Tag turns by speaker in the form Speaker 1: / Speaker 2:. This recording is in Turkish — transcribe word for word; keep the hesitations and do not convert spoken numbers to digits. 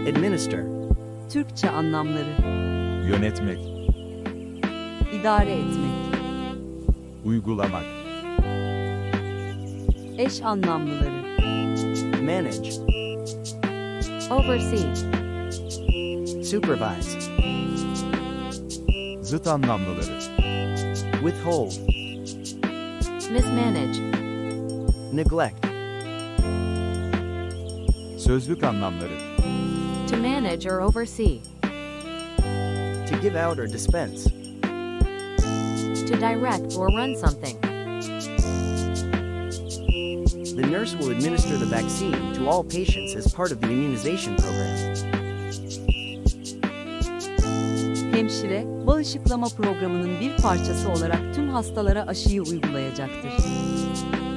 Speaker 1: Administer.
Speaker 2: Türkçe anlamları:
Speaker 3: Yönetmek,
Speaker 2: idare etmek.
Speaker 3: uygulamak,
Speaker 2: Eş anlamlıları:
Speaker 1: Manage.
Speaker 4: oversee,
Speaker 1: Supervise.
Speaker 3: zıt anlamlıları,
Speaker 1: Withhold.
Speaker 4: mismanage,
Speaker 1: Neglect.
Speaker 3: sözlük anlamları,
Speaker 4: to manage or oversee,
Speaker 1: To give out or dispense.
Speaker 4: to direct or run something,
Speaker 1: The nurse will administer the vaccine to all patients as part of the immunization program.
Speaker 2: Hemşire, bağışıklama programının bir parçası olarak tüm hastalara aşıyı uygulayacaktır.